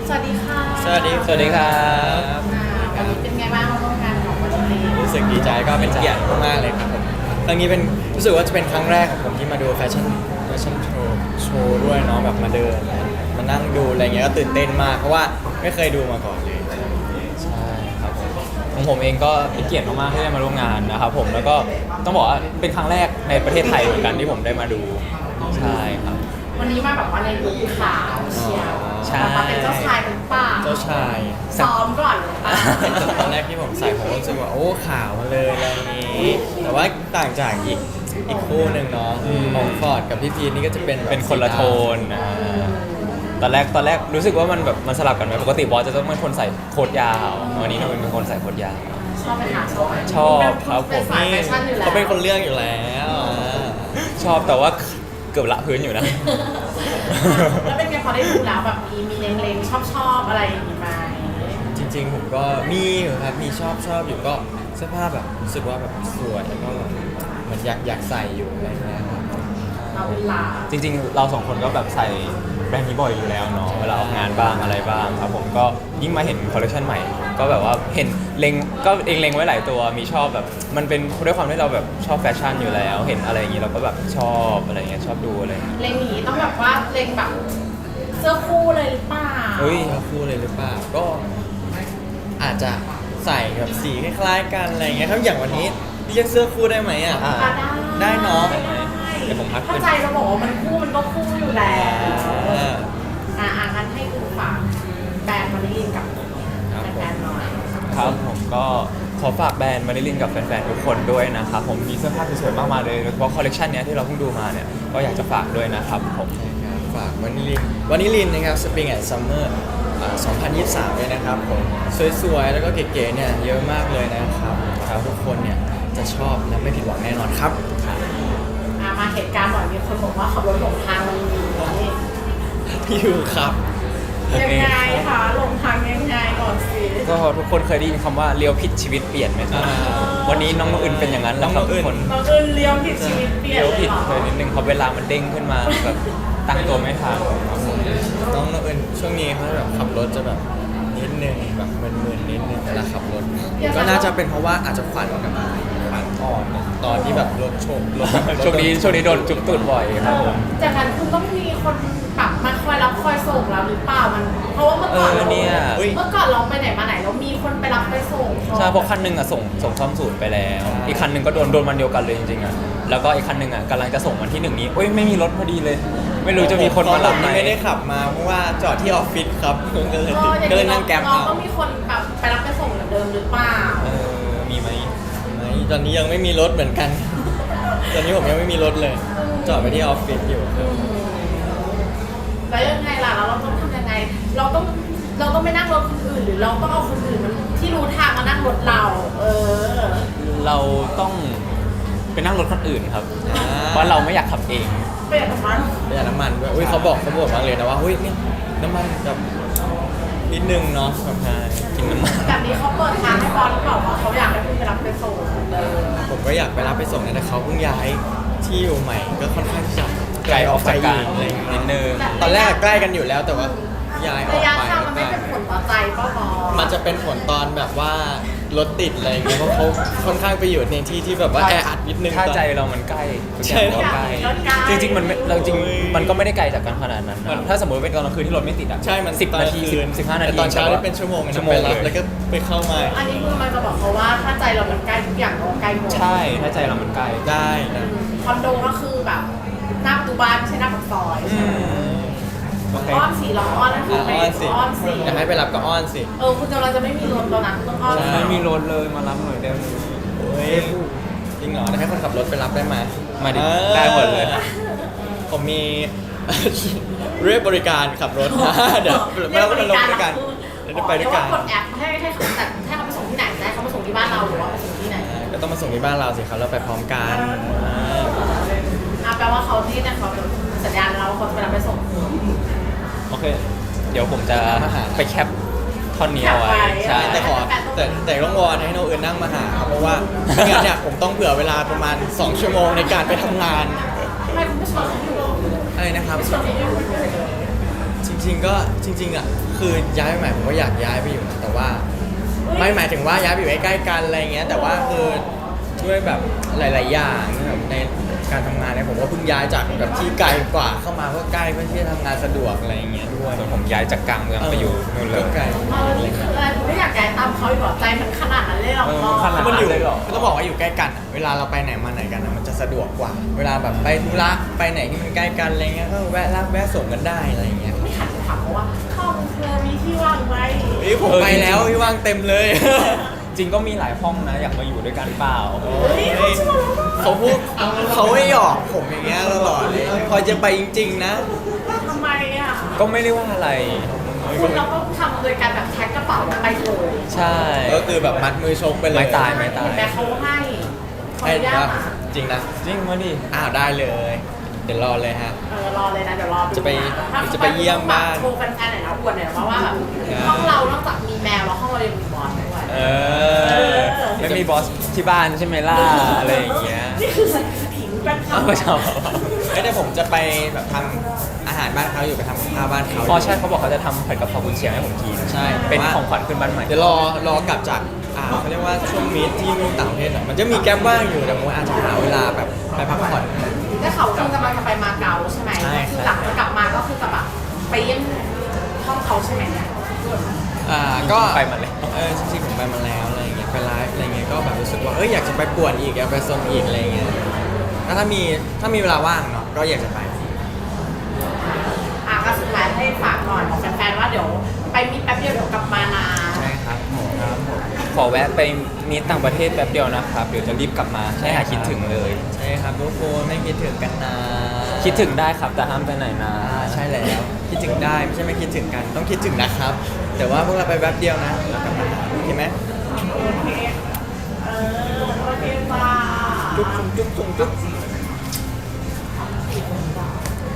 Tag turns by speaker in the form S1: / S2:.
S1: สวัสดีค่ะ
S2: สวัสดีครับ
S1: วันนี้เป็นไงบ้างมาร่วมงานของวันนี้
S2: รู้สึกดีใจก็เป็นเกียรติมากๆเลยครับผมครั้งนี้เป็นรู้สึกว่าจะเป็นครั้งแรกของผมที่มาดูแฟชั่นโชว์ด้วยเนาะแบบมาเดินมานั่งดูอะไรเงี้ยก็ตื่นเต้นมากเพราะว่าไม่เคยดูมาก่อนเลย
S3: ใช่ครับผมของผมเองก็เป็นเกียรติมากๆที่ได้มาร่วมงานนะครับผมแล้วก็ต้องบอกว่าเป็นครั้งแรกในประเทศไทยเหมือนกันที่ผมได้มาดูใช่ครับ
S1: วันนี้มาแบบว่าในลุคขาวเชียว
S3: ใช่
S1: มาเป็นเจ้าชายเป็นป่า
S2: เจ้าชาย
S1: ซ้อมก่อนหรือเปล่า
S2: ตอนแรกที่ผมใส่ผมรู้สึกว่าโอ้ขาวมาเลยอะไรอย่างนี้แต่ว่าต่างจากอีกคู่หนึ่งเนาะของฟอร์ดกับพี่พีทนี่ก็จะเป็นแบบ
S3: เป็นคนละโทนตอนแรกรู้สึกว่ามันแบบมันสลับกันไหมปกติบอสจะต้องเป็นคนใส่โค้ทยาววันนี้เราเป็นคนใส่โค้ทยาว
S1: ชอบไหมคะชอบไหม
S3: ชอบครับ
S1: เป็นสายแฟชั่นอยู่แล้ว
S2: เขาเป็นคนเลือกอยู่แล้วอ่า
S3: ชอบแต่ว่าเกือบละพื้นอยู่นะ
S1: แล้วเป็นไงพอได้ดูแล้วแบบมีเล็งๆชอบอะไรอย่างนี้ไหม
S2: จริงๆผมก็มีอยู่ครับมีชอบอยู่ก็เสื้อผ้าแบบรู้สึกว่าแบบสวยแล้วก็แบบเหมือนอยากใส่อยู่อะไรเงี้ยครับ
S1: เราเวลา
S3: จริงๆ เราสองคนก็แบบใส่แบรนด์นี้บ่อยอยู่แล้วเนาะเวลาออกงานบ้างอะไรบ้างครับผมก็ยิ่งมาเห็นคอลเลคชันใหม่ ก็แบบว่าเห็นเล็งก็เองเล็งไว้หลายตัวมีชอบแบบมันเป็นด้วยความที่เราแบบชอบแฟชั่นอยู่แล้ว เห็นอะไรอย่างนี้เราก็แบบชอบอะไรเงี้ยชอบดูอะไรอย่างเงี้ย
S1: เล็งอย่างนี้ต้องแบบว่าเล็งแบบเสื้อคู่เลยหรือเปล่า
S2: เฮ้ยเขาคู่เลยหรือเปล่าก็อาจจะใส่แบบสีคล้ายๆกันอะไรเงี้ยครับอย่างวันนี้เรียกเสื้อคู่ได้ไหมอ่ะ
S1: อ่ะ
S2: ได้เนาะ
S3: เดี๋ยวผมพัก
S1: เข้าใจเราบอกว่ามันคู่มันก็คู่อยู่แล้ว
S2: อ่า
S1: งั้นให้คุณฝากแบรนด์มาริลินกับ
S2: ครับผม
S1: แฟนๆหน่อย
S3: ครับผมก็ขอฝากแบรนด์มาริลินกับแฟนๆทุกคนด้วยนะครับผมมีเสื้อผ้าสวยๆมากมายเลยโดยเฉพาะคอลเลคชันเนี้ยที่เราเพิ่งดูมาเนี่ยก็อยากจะฝากด้วยนะครับผม
S2: ครับฝากวานิลินนะครับ Spring and Summer 2023เลยนะครับผมสวยๆแล้วก็เก๋ๆเนี่ยเยอะมากเลยนะครับทุกคนเนี่ยจะชอบและไม่ผิดหวังแน่นอนครับ
S1: มาเหตุการณ์บ่อยมีคนบอกว่าขับรถหลงทางมันมี
S2: อยู่ครับ
S1: ยังไงคะหลงทางยังไงก่อนสิ
S3: ก็ทุกคนเคยได้ยินคำว่าเลี้ยวผิดชีวิตเปลี่ยนไหมครับ วันนี้น้องอื่นเป็นอย่างนั้นแหละครับทุกคน
S1: เราเอินเลี้ยวผิดชีวิตเปลี่ยน
S3: เลี้ยว
S1: เลย
S3: ผิด
S1: เหรอ
S3: เลยนิดนึงเพราะเวลามันเด้งขึ้นมาแบบตั้งตัวไม่ทันครับผม
S2: น้องเอิญช่วงนี้เขาแบบขับรถจะแบบนิดนึงแบบมึนๆนิดนึงเวลาขับรถ ก็น่าจะเป็นเพราะว่าอาจจะขวัญกับขวัญอ่อนตอนที่แบบรถชนรถ
S3: ช่วงนี้โดนจุ๊บตูดบ่อยครับผม
S1: จากนั้นคุณต้องมีคนแบบมาคอยรับคอยส่งเราหรือเปล่ามันเพราะว่าเมื่อก่อนเรา
S3: เนี่ย
S1: เมื่อก่อนเราไปไหนมาไหนเรามีคนไปรับไปส่ง
S3: ใช่เพราะคันหนึงอ่ะส่งซ่อมศูนย์ไปแล้ว อีกคันหนึงก็โดนวันเดียวกันเลยจริงๆอ่ะแล้วก็อีกคันหนึงอ่ะกำลังจะส่งวันที่หนึ่งนี้โอ้ยไม่มีรถพอดีเลย ไม่รู้จะมีคนมารับไหม
S2: ไม่ได้ขับมาเพราะว่าจอดที่ออฟฟิศครับก็เลยนั่งแก๊ป
S1: น้อง
S2: เอา
S1: ก็มีคนแบบไปรับไปส่งเหมือนเดิมหรือเปล่า
S3: มีไหม
S2: ไม่ตอนนี้ยังไม่มีรถเหมือนกัน ตอนนี้ผมยังไม่มีรถเลย จอดไปที่ออฟฟิศอยู่
S1: แล้วยังไงล่ะแล้วเราต้องทำยังไง เราต้องไม่นั่งรถคนอื่นหรือเราต้องเอาคนอื่นมันที่รู้ทางมานั่งรถเรา
S3: เราต้องไปนั่งรถคนอื่นครับ เพราะเราไม่อยากขับเอง
S1: เปลี่ยนของมัน
S2: ประหยัดน้ำมันด้วยอุ้ยเขาบอกมากเลยนะว่าเฮ้ยนี่น้ำมันแบบนิดนึงเนาะแบบ
S3: ใช่กินน้ำมัน
S1: แบบนี้เขาเปิดทางให้บอลหรือเปล่าว่าเขาอยากให้คุณไปรับไปส่ง
S2: ผมก็อยากไปรับไปส่งนะแต่เขาเพิ่งย้ายที่อยู่ใหม่ก็ค่อนข้างที่จะ
S3: ไกลออกจากกัน
S2: อะไรอย่างเงี้ย
S3: นิดนึง
S2: ตอนแรกใกล้กันอยู่แล้วแต่ว่าย้ายออ
S1: ระ
S2: ก
S1: ยะ
S2: ไป
S1: ทางมันไม่เป็นผลต่อใจป้าบอล
S2: มันจะเป็นผลตอนแบบว่ารถติดอะไรอย่างเงี้ยเพราะเขาค่อนข้างไปอยู่ในที่ที่แบบว่าแออัดนิดนึง
S3: ถ้า
S2: ตอน
S3: ใจเรามันใกล้ทุกอ
S2: ใช่
S3: ย่างก็ใกล้จริงๆมันไม่เราจริง
S2: โอ้ย
S3: มันก็ไม่ได้ไกลจากกันขนาดนั้นนะถ้าสมมติเป็นตอนกลางคืนที่รถไม่ติดอ่ะ
S2: ใช่มัน
S3: 10 นาที
S2: คืน
S3: 15 นาที
S2: แต่ตอนเช้าได้เป็นชั่วโมงนะ
S3: ชั่วโม
S2: ไป
S3: ง
S2: รับ
S3: เล
S2: แล้ว
S3: ย
S2: ก็ไปเข้ามา
S1: อันนี้คือมันจะบอกเขาว่าถ้าใจเรามันใกล้ทุกอย่างก็ใกล้หมด
S3: ใช่ถ้าใจเรามันใกล้
S2: ได้นะ
S1: คอนโดก็คือแบบหน้าประตูบ้านไม่ใช่หน้าปากซอย
S3: โอเค
S1: อ้อนสีเราอ้อนนั่นคือไป
S2: อ้อนสิ
S1: อ้อนสี
S2: อยากให้ไปรับก็อ้อนสิ
S1: คุณเราจะไม่มีรถแล้วนะต้องอ้อน
S2: ใช่
S3: ไม่มีรถเลยมารับหน่อยได้ไหม
S2: โอ้ยจริงเหรอให้คนขับรถไปรับได้ไหม
S3: มาดิ
S2: เออ
S3: ได้หมดเลย
S2: ผมมี เรียกบริการขับรถ นะเดี๋ยวเราก็มาลงด้วยกันเดี๋ยวไปด้วยกัน
S1: กดแอปให้เขาแต่ให้เขาไปส่งที่ไหนได้เขาไปส่งที่บ้านเราหรือว่าไปส่งที่ไหน
S2: ก็ต้องมาส่งที่บ้านเราสิครับเราไปพร้อมกัน
S1: แปลว่าเขาที่เนี่ยเขาสัญญาณเราเขาจะไปรับไปส่ง
S3: โอเค เดี๋ยวผมจะไปแคปท่อนนี้เอาไว้
S1: แคปไว้
S3: ใช่
S2: แต่ขอแต่ต้องวอนให้น้องเอิญนั่งมาหาครับเพราะว่าไม่งั้นเนี่ยผมต้องเผื่อเวลาประมาณ 2 ชั่วโมงในการไปทำงาน
S1: ทำไมคุณไม่ชวนเขาอยู่
S2: อะไรนะครับ
S1: ชวนเขาอยู่
S2: จริงๆก็จริงๆอ่ะคือย้ายไปใหม่ผมก็อยากย้ายไปอยู่นะแต่ว่าไม่หมายถึงว่าย้ายไปอยู่ใกล้ๆกันอะไรเงี้ยแต่ว่าคือด้วยแบบหลายๆอย่างแบบในการทำงานเนี่ยผมก็เพิ่งย้ายจากแบบที่ไกลกว่าเข้ามาเพื่อใกล้เพื่อที่จะทำงานสะดวกอะไรเงี้ยด้วย
S3: ส่วนผมย้ายจากกลางเมืองไปอยู่นู่นเลย
S2: ก็ไกล
S1: นี่คืออะไรคุณไม่อยากย้ายตามเขาอีกเหรอใจมันขนาดนั้นเลยเหรอ
S3: ขนาด
S2: มันอยู่
S3: เลยเหรอ
S2: ก็ต้องบอกว่าอยู่ใกล้กันอะเวลาเราไปไหนมาไหนกันอะมันจะสะดวกกว่า เวลาแบบไปธุระไปไหนที่มันใกล้กันอะไรเงี้ยก็แวะรับแวะส่งกันได้อะไรเงี้ย
S1: ไม่หันไปถามเขาว่าห้องเธอมีที่ว่างไหม
S2: นี่ผมไปแล้วพี่ว่างเต็มเลย
S3: จริงก็มีหลายห้องนะอยากมาอยู่ด้วยกันเปล่า
S1: เฮ้ยเขาชวนเรา
S2: เขาพูดเขาไม่หยอกผมอย่างเงี้ยตลอดเลยพอจะไปจริงๆนะ
S1: ทำไมอ่ะ
S3: ก็ไม่ได้ว่าอะไร
S1: คุณเราก็ทำโดยการแบบแท็กกระเป๋าแล้วไปเลย
S3: ใช่
S2: ก็คือแบบมัดมือชกไปเลย
S3: ไม่ตาย
S1: เห็นไหมเขาให้เขา
S2: ให้
S1: ย่า
S2: ว่า
S1: มา
S2: จริงนะ
S3: จริงมาดิ
S2: อ้าวได้เลย เดี๋ยวรอเลยฮะ
S1: รอเลยนะเดี๋ยวรอดู
S2: จะไป
S1: ถ้า
S2: จะไปเยี่ยมบ้าน
S1: โชว์แฟนๆหน่อยนะอวดหน่อยนะเพราะว่าแบบห้องเรานอกจากมีแมวแล้วห้องเรายังมีบอลด้วย
S3: เออไม่มีบอสที่บ้านใช่ไหมล่ะอะไรอย่างเงี้ย
S1: นี่คือผิงเป็น
S3: เอาไปชอบ
S2: เอ้ยเดี๋ยวผมจะไปแบบทำอาหารบ้านเขาอยู่ไปทำกับข้าวบ้านเขา
S3: อ๋อใช่เขาบอกเขาจะทำผัดกะเพรากุนเชียงให้ผมกิน
S2: ใช่
S3: เป็นของขวัญขึ้นบ้านใหม่
S2: เดี๋ยวรอกลับจากเขาเรียกว่าช่วงมีตที่ต่างประเทศอะมันจะมีแก๊ปว่างอยู่แต่ผมอาจจะหาเวลาแบบไปพักผ่อน
S1: ได้ข่าวว่าคุณกำลังจะไปมาเก๊าใช่ไหม
S2: ใช่ครับ
S1: คือหลังจากกลับมาก็คือจะแบบไปเยี่ยมห้องเขาใช่ไหม
S2: ก็
S3: ไปมาแล้ว
S2: จริงๆผมไปมาแล้วอะไรอย่างเงี้ยไปไลฟ์อะไรเงี้ยก็แบบรู้สึกว่าอยากจะไปป่วนอีกอยากไปซนอีกอะไรเงี้ยแล้วถ้ามีเวลาว่างเนาะก็อยากจะไป
S1: ก็สุดท้ายให้ฝากหน่อยบอกแฟนๆว่าเดี๋ยวไปมีแป๊บเดียวเดี๋ยวกลับมานะ
S2: ใช่ครับผม
S3: ขอแวะไปมีต่างประเทศแป๊บเดียวนะครับ เดี๋ยวจะรีบกลับมาให้หายคิดถึงเลย
S2: ใช่ครับทุกคนไม่คิดถึงกันนะ
S3: คิดถึงได้ครับแต่ห้ามไปไหนนะ
S2: ใช่แล้วคิดถึงได้ไม่ใช่ไม่คิดถึงกันต้องคิดถึงนะครับ แต่ว่าพวกเราไปแป๊บเดียวนะแล้วกลับมาโอเคไหม
S1: โอเคโอเคจ้า
S2: จุ๊บจุ๊บจุ๊บจุ๊บ